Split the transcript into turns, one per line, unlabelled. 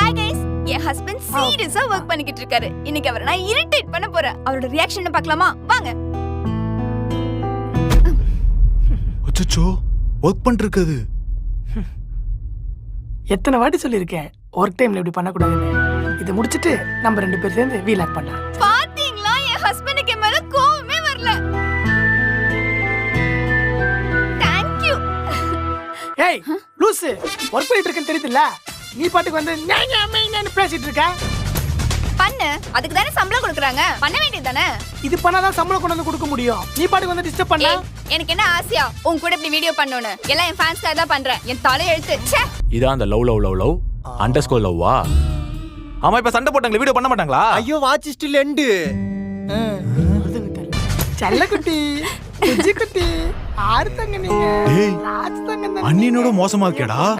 Hi guys, என் husband சீரியஸா work பண்ணிக்கிட்டு இருக்காரு. இன்னைக்கு அவரை நான் இரிட்டேட் பண்ண போறேன். அவரோட ரியாக்ஷனை பார்க்கலாமா? வாங்க.
அச்சச்சோ, வர்க் பண்ணிருக்குது.
எத்தனை வாட்டி சொல்லியிருக்கேன் ஒர்க் டைம்ல இப்படி பண்ணக்கூடாதுன்னு. இதை முடிச்சிட்டு நம்ம 2 பேர் சேர்ந்து வீலாக் பண்ணலாம்.
பாத்தீங்களா, என் ஹஸ்பண்டுக்கு மேல கோவமே வரல. Thank you.
ஏய் லூசு, ஒர்க் பண்ணிட்டு இருக்கேன்னு தெரியுதுல்ல, நீ பாட்டுக்கு வந்து ஞான்னு பேசிட்டு இருக்க.
பண்ணு, அதுக்கு தானே சம்பளம் கொடுக்குறாங்க, பண்ண வேண்டியது தானே.
இது பண்ணாதான் சம்பளம் கொண்டு வந்து கொடுக்க முடியும். நீ பாட்டுக்கு வந்து டிஸ்டர்ப் பண்ண.
எனக்கு என்ன ஆசையா உன் கூட இப்படி வீடியோ பண்ணனும்னு? எல்லாம் என் ஃபேன்ஸ்க்காக தான் பண்றேன். என் தலை எழுத்து. ச்சே.
இதான் அந்த லவ் அண்டர்ஸ்கோர் லவ்வா? ஆமா, இப்ப சண்டை போட்டாங்களே, வீடியோ பண்ண மாட்டாங்களா?
ஐயோ, வாட்ச் ஸ்டில் எண்டு.
செல்லக்குட்டி, குஜிக்குட்டி, ஆறு தங்க நீங்க.
ஏய்,
ராஜ் தங்க தான்.
அண்ணினோட மோசமா இருக்கேடா.